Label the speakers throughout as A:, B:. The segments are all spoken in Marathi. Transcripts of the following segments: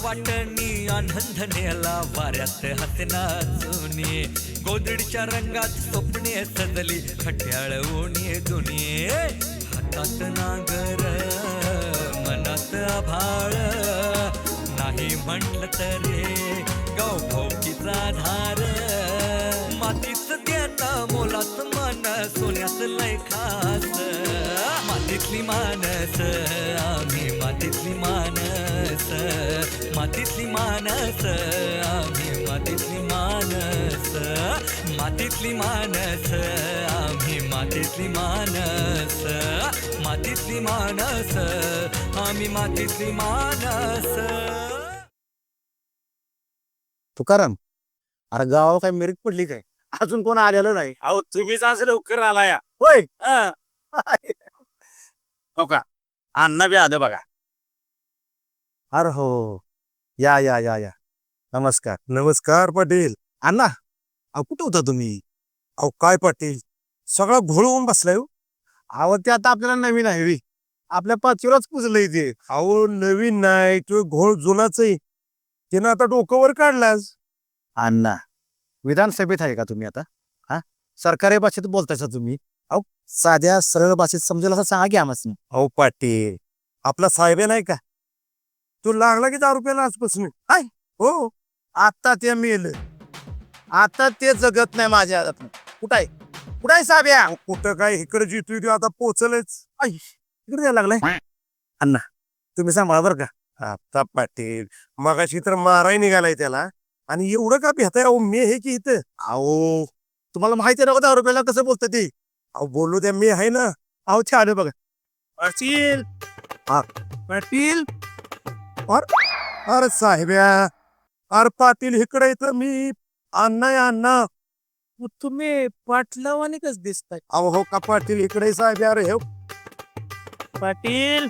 A: वाटणी आनंद नेला वाऱ्यात हाते नाचुनी गोदडीच्या रंगात स्वप्ने सजली खट्याळ ओणी दुनी हातात नागर मनात आभाळ नाही म्हटलं तरी गाव भाऊकीचा धार मातीच देता मोलात मन सोन्यात लय खास मातीतली मानस आम्ही मातीतली मानस मातीतली मानस आम्ही मातीतली मानस मातीतली मानस आम्ही मातीतली मानस मातीतली मानस आम्ही मातीतली मानस.
B: तुकाराम, अरे गावावर काय मेरिट पडली काय? अजून कोण आलेलं नाही.
C: अहो तुम्हीच असं लवकर आला या.
B: होय.
C: हो का अण्णा बी आलं बघा.
B: अरे हो, या या या या नमस्कार.
D: नमस्कार पाटील.
B: अण्णा, अहो कुठं होता तुम्ही?
D: अहो काय पाटील, सगळा घोळ होऊन बसलाय हो.
B: अहो ते आता आपल्याला नवीन आहे बी. आपल्या पाचवीलाच पुजलंय ते.
D: अहो नवीन नाही, तो घोळ जुनाच आहे. त्यानं आता डोकं वर काढलास.
B: अण्णा, विधानसभेत आहे का तुम्ही आता? हा, सरकारी भाषेत बोलतायसा तुम्ही? अहो साध्या सरळ भाषेत समजेल असं सांगा की आम्हाला.
D: अहो पाटील, आपला साहेब नाही का, तो लागला की 10 रुपयाला आजपासून.
B: काय?
D: हो.
B: आता ते मेल, आता ते जगत नाही माझ्या हातात. कुठं आहे? कुठं आहे साब्या?
D: अहो, कुठं काय इकडे जितू तो आता पोचलेच.
B: इकडे यायला लागलाय. अण्णा, तुम्ही सांभाळा बरं का.
D: आता पाटील, मगाशी तर माराय निघालाय त्याला, आणि एवढं का भेटाय? अहो मी हे की इथं.
B: अहो तुम्हाला माहिती आहे ना 10 रुपयाला कसं बोलतं ते?
D: अहो बोलू द्या, मी आहे ना.
B: अहो छान बघा.
D: पाटील, पाटील, अरे साहेब्या, अरे पाटील इकडे येतं मी. अण्णा या अण्णा.
C: तुम्ही पाटलावाने कस दिसताय
D: अहो हो का पाटील, इकडे साहेब. अरे हे
C: पाटील?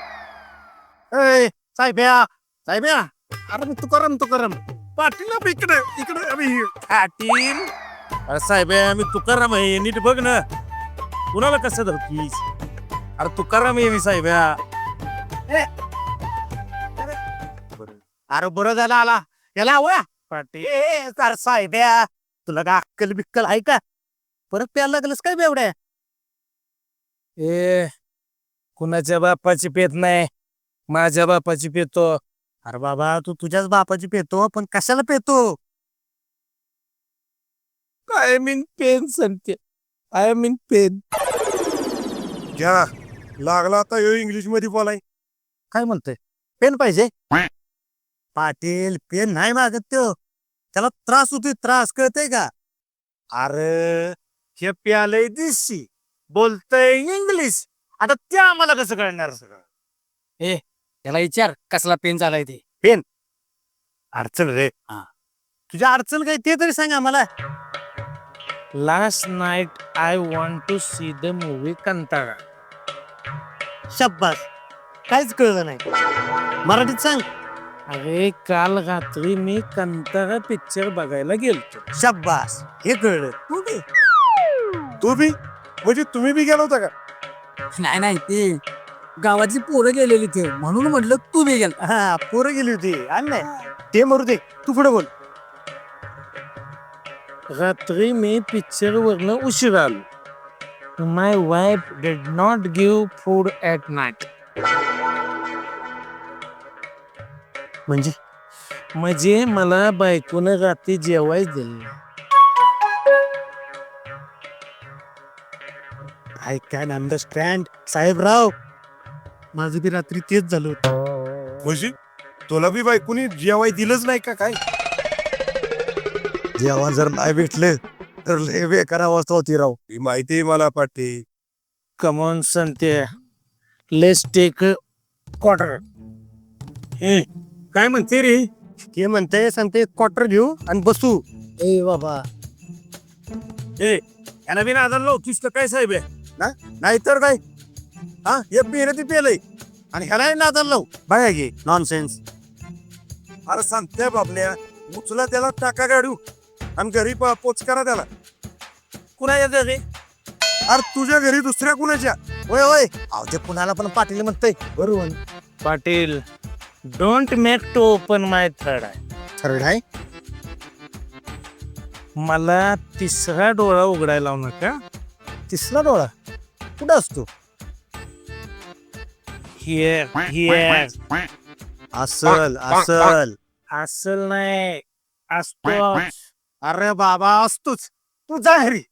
B: ए साहेब्या, साहेब्या, अरे मी तुकाराम
D: पाटील इकडे इकडे आम्ही.
C: पाटील अरे साहेब मी तुकाराम आहे, नीट बघ ना. कुणाला कसं धरतीस? अरे तुकाराम आहे मी साहेब.
B: अरे बरं झालं आला. याला हवं
C: पाटील
B: अरे साहेब्या, तुला का अक्कल बिक्कल आहे का? परत प्यायला लागलंस काय बेवड्या?
C: ए कुणाच्या बापाची पेत नाही, माझ्या बापाची पेतो.
B: अरे बाबा, तू तुझ्याच बापाची पेतो, पण कशाला पेतो?
C: आय मीन पेन सांगते. I mean pen.
D: घ्या, लागला आता इंग्लिश मध्ये बोलाय.
B: काय म्हणतोय? पेन पाहिजे? पाटील, पेन नाही मागत तो. त्याला त्रास होतोय, त्रास कळतंय का? अरे हे प्यालय दिसशी, बोलतय इंग्लिश. आता ते आम्हाला कसं कळणार सगळं?
C: त्याला विचार कसला पेन झालाय ते.
B: अडचण रे. तुझ्या अडचण काय ते तरी सांग आम्हाला.
C: Last night I want to see the movie कंटाळा.
B: शब्बास, काहीच कळलं नाही. मराठीत सांग.
C: अरे काल रात्री मी कंटाळा पिक्चर बघायला गेलतो.
B: शब्बास, हे कळलं.
D: तू बी म्हणजे तुम्ही बी गेला होता का?
C: नाही ते गावाची पोरं गेलेली ते म्हणून म्हटलं तू बी गेल.
B: हा, पोरं गेली होती. आणि नाही ते मरू दे, तू पुढे बोल.
C: रात्री मी पिक्चर वरनं उशीर आलो. My wife did not give food at night. म्हणजे मला बायकोनं रात्री जेवायच दिलं.
B: I can understand Sahebrao. माझं बी रात्री तेच झालं होतं.
D: म्हणजे तुला बी बायकोनी जेवाय दिलंच नाही का काय?
B: जेवण जर नाही भेटलं तर लय बेकार अवस्था होती राव.
D: ही माहिती आहे मला पाटील.
C: कमॉन सांगते. Let's take quarter.
D: काय म्हणते रे?
B: ते म्हणते सांगते क्वार्टर घेऊ आणि बसू. ए बाबा,
D: याला बी नादाला लावतीस का काय साहेब?
B: नाहीतर काय? हा, हे पेलं ते पेलंय आणि ह्याला नादाला लावू. बघा की नॉनसेन्स.
D: अरे सांगते बाबल्या, उचला त्याला, टाका गाडू आणि घरी पोच करा त्याला.
C: कुणाच्या घरी?
D: अरे तुझ्या घरी दुसऱ्या कुणाच्या?
B: होय होय. अहो ते कुणाला पण पाटील म्हणतंय. बरोबर.
C: Patil don't make to open my third eye.
B: Third आहे.
C: मला तिसरा डोळा उघडायला लावू नका.
B: तिसरा डोळा कुठं असतो?
C: Here here.
B: असल असल.
C: असल नाही असतो.
B: अरे बाबा असतोच. तू जा घरी.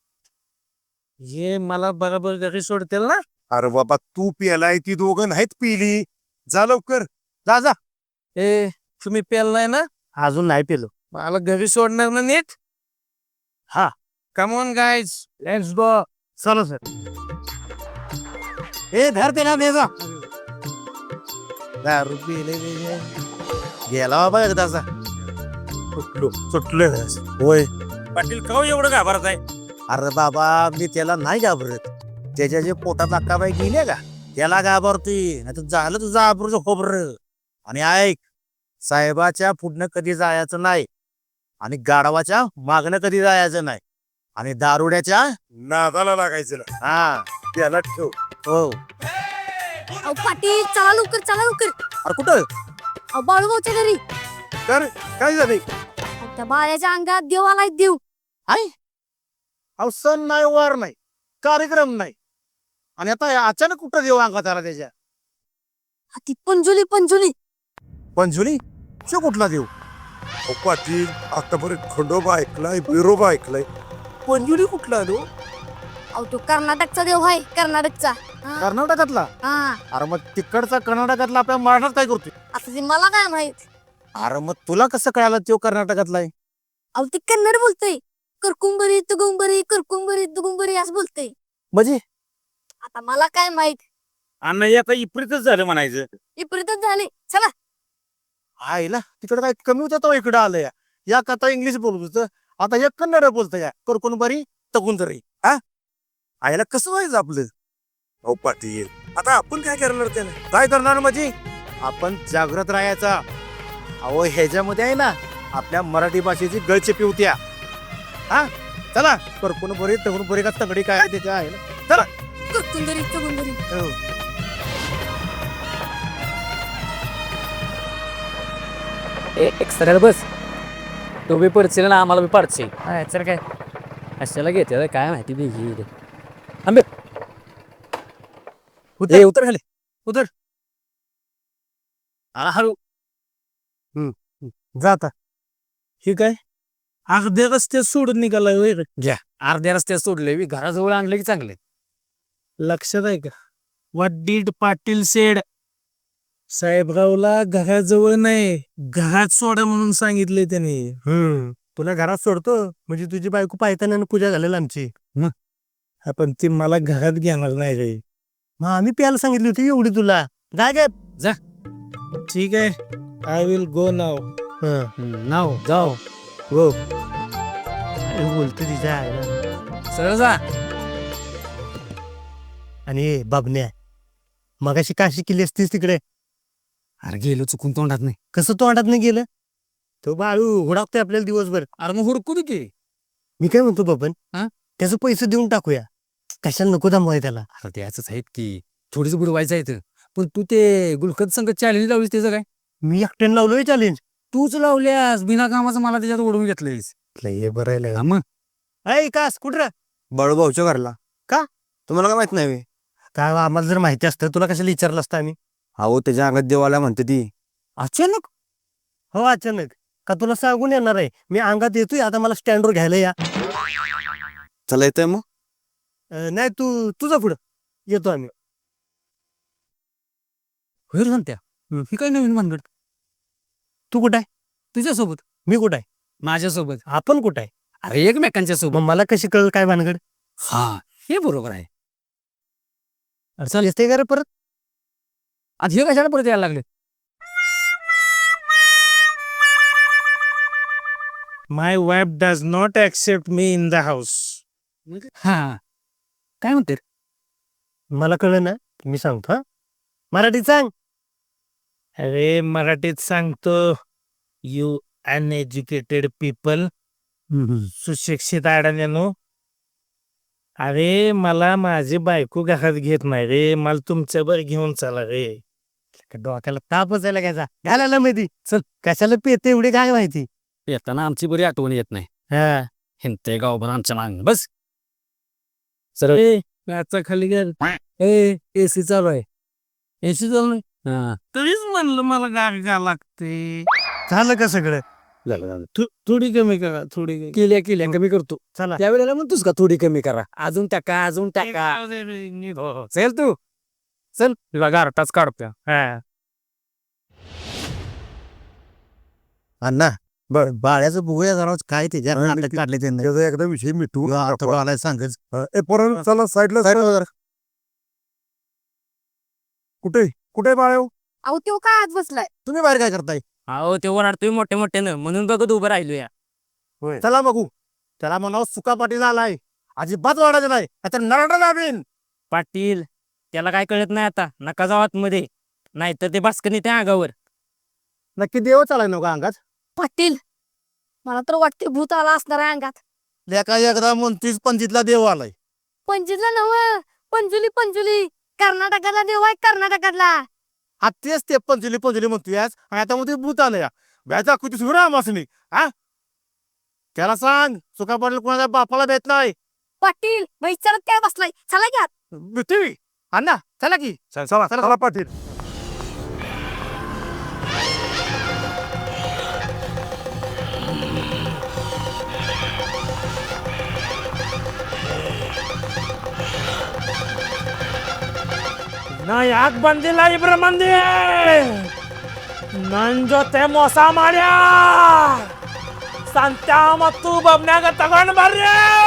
C: हे मला बरोबर घरी सोडतील ना.
D: अरे बाबा तू प्यालाय ती दोघं नाहीत पिली. जा लवकर.
B: जा जा.
C: ए तुम्ही पेल नाही ना.
B: अजून नाही पेलो.
C: मला घरी सोडणार ना नीट.
B: हा.
C: Come on guys let's go.
B: चलो सर. ए धर ते ना बेजा. दारू पिले गेला बाबा एकदाचा.
C: सुटले
B: होय.
C: पाटील का एवढं घाबरत आहे.
B: अरे बाबा मी त्याला नाही घाबरत. त्याच्या जे पोटात अक्काबाई गेले का त्याला घाबरतोय. नाही तर झालं तुझं आबरूचं खोबरं. आणि ऐक, साहेबाच्या पुढनं कधी जायचं नाही आणि गाढवाच्या मागणं कधी जायचं नाही आणि दारुड्याच्या
D: नादाला लागायचं ना.
B: हा
D: त्याला ठेव.
B: हो.
E: अहो पाटील चला लवकर चला लवकर.
B: अरे कुठं?
E: अहो बाळूभाऊच्या घरी.
D: तर काय झालंय?
E: अहो, त्या बाळ्याच्या अंगात देव आलाय देव.
B: अहो सण नाही, वार नाही, कार्यक्रम नाही आणि आता अचानक कुठं देऊ अंगात आला त्याच्या?
E: हा, ती पंजुली पंजुली.
B: पंजुली शो कुठला देऊ?
D: अहो पाटील आतापर्यंत खंडोबा ऐकलाय, बिरोबा ऐकलाय.
B: पंजुली कुठला देऊ?
E: अहो तो कर्नाटकचा देव आहे कर्नाटकचा. हा,
B: कर्नाटकातला?
E: हा.
B: अरे मग तिकडचा कर्नाटकातला आपल्या महाराष्ट्रात काय करतोय?
E: आता ते मला काय माहित.
B: अरे मग तुला कसं कळालं तो कर्नाटकातला आहे?
E: अहो ते कन्नड बोलतोय. करकुंबरी तुगुंबरी असं बोलतोय.
B: म्हणजे
E: आता मला काय माहित.
C: अन्न आता इप्रितच झालं म्हणायचं.
E: विपरीतच झाले. चला.
B: आईला तिकडे काय कमी होतं तो इकडं आलं या कथा इंग्लिश बोलत होतं, आता हे कन्नड बोलतं या. करकून बरी तगून तरी. हा आईला कसं व्हायचं आपलं?
D: अहो पाटील आता आपण काय करणार त्याला?
B: काय करणार म्हणजे आपण जागृत राहायचा. अहो ह्याच्यामध्ये आहे ना आपल्या मराठी भाषेची गळचेपी होत्या. हा चला. करकून बरी तगून बरी का तगडी काय आहे त्याच्या आहे ना. चला.
E: करकुंबरी तुगुंबरी.
B: हो.
F: एक सरळ बस. तो बी पडशील ना आम्हाला बी पाडशील. हा चल काय कशाला घेते काय माहिती बी घे आंबे.
B: उतर.
F: उतर खाली उतर.
B: हळू. जा आता.
C: हे काय अगदी रस्ते सोडून निघालाय होय रे?
F: अर्ध्या रस्त्यात सोडले बी घराजवळ आणलं की चांगले.
C: लक्षात आहे का? What did Patil said. साहेबरावला घराजवळ नाही घरात सोडा म्हणून सांगितले त्याने.
B: तुला घरात सोडतो म्हणजे तुझी बायको पायताना पूजा झालेली आमची.
C: आपण ती मला घरात घेणार नाही रे.
B: मग आम्ही प्यायला सांगितली होती एवढी तुला. जाय काय?
C: ठीक आहे. आय विल गो नाव.
F: नाव जाओ
B: हो. बोलतो तिच्या आहे ना.
F: सरळ जा.
B: आणि बाबण्या मगाशी काशी केली असतीस तिकडे.
F: अरे गेलो चुकून तोंडात नाही.
B: कसं तोंडात नाही गेलं? तो बाळू हुडाकतोय आपल्याला दिवसभर.
F: अरे मग हुडकू दे की.
B: मी काय म्हणतो बाबन,
F: हा?
B: त्याचं पैसे देऊन टाकूया. कशाला नको थांबवाय त्याला.
F: अरे त्याच आहेत की थोडीच बुडवायचं आहे. पण तू ते गुलखत संघ चॅलेंज लावलीस त्याचं काय?
B: मी एकट्यानं लावलोय चॅलेंज.
F: तूच लावल्यास बिना कामाचं मला त्याच्यात ओढून घेतलंयस.
B: हे बरं आहे.
F: मग
B: ऐ कास कुठं? बाळूभाऊच्या घरला. का तुम्हाला काय माहित नाही? काय आम्हाला जर माहिती असतं तुला कशाला विचारलं असतं आम्ही?
G: अहो त्याच्या अंगात देवाला म्हणते ती.
B: अचानक? हो अचानक. का तुला सांगून येणार आहे मी अंगात येतोय आता मला स्टँडवर घ्यायला या.
G: चला येतंय मग.
B: नाही तू तुझं पुढं येतो आम्ही.
F: होईल सांगत्या ही काय नवीन भानगड.
B: तू कुठं आहे?
F: तुझ्यासोबत
B: मी कुठं आहे?
F: माझ्यासोबत.
B: आपण कुठं आहे?
F: अरे एकमेकांच्या सोबत.
B: मग मला कशी कळलं काय भानगड?
F: हा हे बरोबर आहे.
B: अरे चाल येते का रे परत?
F: आता हे कशाला परत यायला लागले?
C: My wife does not accept me in the house.
F: हा काय म्हणते?
B: मला कळलं ना मी सांगतो. हा मराठीत सांग.
C: अरे मराठीत सांगतो. You uneducated people. सुशिक्षित अडाण्यानो. अरे मला माझी बायको घरात घेत नाही रे. मला तुमच्यावर घेऊन चला रे.
B: डोक्याला तापच आहे घ्यायचा घालायला माहिती चल कशाला पेते एवढी काय माहिती
F: येताना आमची बरी आठवण येत नाही
B: हा
F: हिंते गावभर आमच्या मागं बस सर
C: त्याचा खाली गेल एसी चालू आहे एसी चालू आहे तरीच म्हणलं मला गाग का लागते
B: झालं का सगळं
C: थोडी कमी करा थोडी
F: केल्या कमी करतो
B: चला
F: त्यावेळेला म्हणतोस का थोडी कमी करा अजून टाका अजून टाका चल तू चल तुला गारटाच काढतो
B: अण्णा बर बाळ्याचं बघूया जरा काय ते जरा नाटक काढले त्यांनी
D: त्याचा एकदा विषय मिटू
B: आलाय सांगच
D: पोरांनो चला साईडला कुठे कुठे बाळ्या
E: अहो तो काय आत बसलाय
B: तुम्ही बाहेर काय करताय
F: अहो ते ओरडतोय मोठे मोठ्यानं म्हणून बघत उभं राहिलो या
B: चला बघू त्याला म्हणावं सुका पाटील आलाय अजिबात वाढायचं नाही आता नरडा दाबीन
F: पाटील त्याला काय कळत नाही आता नका जाऊ आतमध्ये नाहीतर ते बास्कनी त्या अंगावर
B: नक्की देव चालाय नका अंगात
E: पाटील मला तर वाटते भूत आला असणार आहे अंगात
B: लेका एकदा म्हणतीस पंचितला देव आलाय
E: पंजुला नव पंजुली पंजुली कर्नाटकातला देव आहे कर्नाटकातला
B: हा तेच ते पंचुली पंचुली म्हणतोय आज आणि आता मध्ये भूत आलं या व्याजा कुठे सुरा मासनी हा त्याला सांग सुका पाटील कोणाच्या बापाला भेट नाही
E: पाटील विचारत काय बसलाय चला घ्या
B: भेटवी अण्णा चला की
D: चला चला पाटील
C: ना याक ಬಂದಿಲ್ಲ ಇಬ್ರು ಮಂದಿ ನನ್ ಜೊತೆ ಮೋಸ ಮಾಡ್ಯ ಸಂತ್ಯ ಮತ್ತು ಬಬ್ನ್ಯಾಗ ತಗೊಂಡ್ ಬರ್ರಿ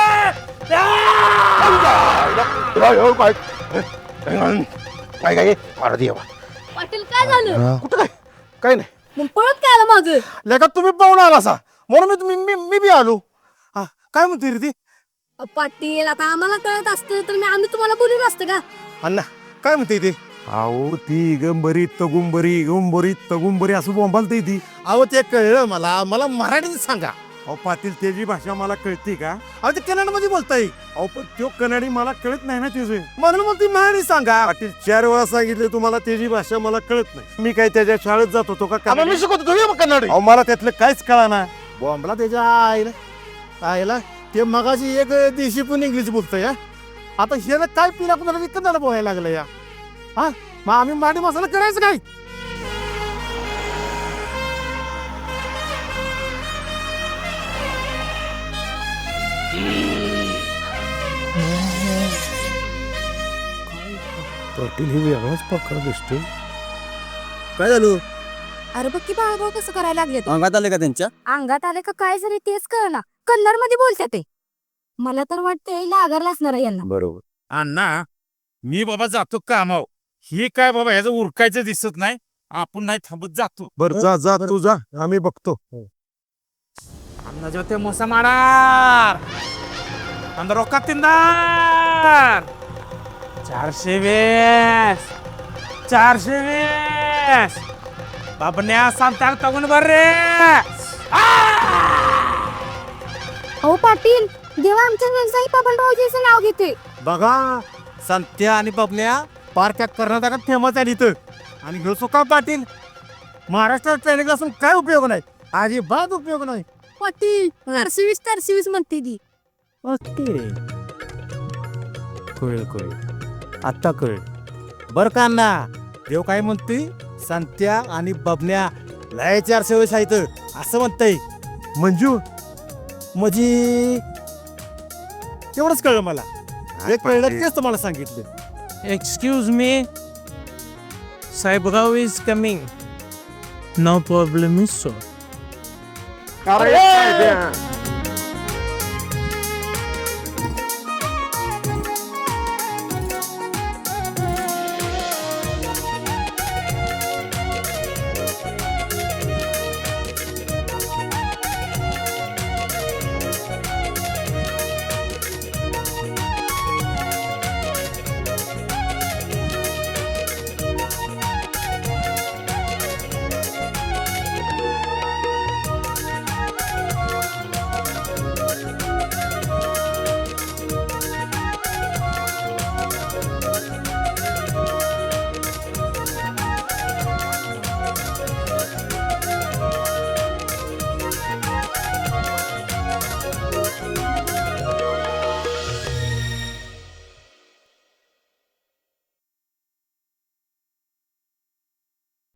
E: पाटील काय झालं
B: कुठं काय काय नाही
E: मग पळत काय आलं माग
B: लेका तुम्ही पाहून आला असा म्हणून मी बी आलो हा काय म्हणते रे ती
E: पाटील आता आम्हाला कळत असतं तर आम्ही तुम्हाला बोलून असतं का
B: अण्णा काय म्हणते ते
D: अहो ती गंबरी तगुंबरी असं बोंबालते ती
B: अहो ते कळलं मला मराठीत सांगा
D: अहो पाटील त्याची भाषा मला कळते का
B: अहो ते कन्नड मध्ये बोलताय
D: अहो पण तो कन्नडी मला कळत नाही ना त्याचे
B: म्हणून मग ती मराठी सांगा
D: पाटील 4 वेळा सांगितले तुम्हाला त्याची भाषा मला कळत नाही मी काय त्याच्या शाळेत जात होतो का
B: आम्हाला मी शिकवतो तुम्ही मग कन्नड
D: अहो मला त्यातलं काहीच कळाना
B: बॉम्बला त्याच्या आईला ते मगाशी एक देशी पण इंग्लिश बोलतोय हा आता हे काय पिला कुणाला कन्नड बोलायला लागलं या हा मग आम्ही मराठी मसाला करायचं काय
D: पाटील ही वेगळाच प्रकार दिसतो
B: काय झालं
E: अरे बघ की बाळाभाऊ कसं करायला लागले
G: अंगात आले का त्यांच्या
E: अंगात आले का काय झाले तेच कळना कन्नड मध्ये बोलतात ते मला तर वाटतंय लागायला असणार आहे यांना
D: बरोबर
C: अण्णा मी बाबा जातो कामाव हे काय बाबा ह्याचं उरकायचं दिसत नाही आपण नाही थांबत जातो
D: बर जा तू जा आम्ही बघतो
C: ನನ್ನ ಜೊತೆ ಮೋಸ ಮಾಡಾರ್ ಅಂದ ರೊಕ್ಕ ತಿಂದಾರ್ 420 बाबन्या सांगताग तगून बर्रे
E: हो पाटील देवा आमच्या व्यवसायी बबनरावजीचं नाव घेते
B: बघा संत्या आणि बबल्या पार्क कर्नाटकात फेमस आहे इथं आणि घेऊ सुका पाटील महाराष्ट्रात ट्रेनिंग असून काय उपयोग नाही अजिबात उपयोग नाही
E: पाटील 420 म्हणते ती
B: ओके कळ आता कळ बर का अण्णा देव काय म्हणतोय संत्या आणि बबन्या लय 420 आहेत असं म्हणतंय
D: मंजू
B: म्हणजे तेवढंच कळलं मला जे कळलं तेच तुम्हाला सांगितलं
C: excuse me Sahebrao is coming no problem is so
D: अरे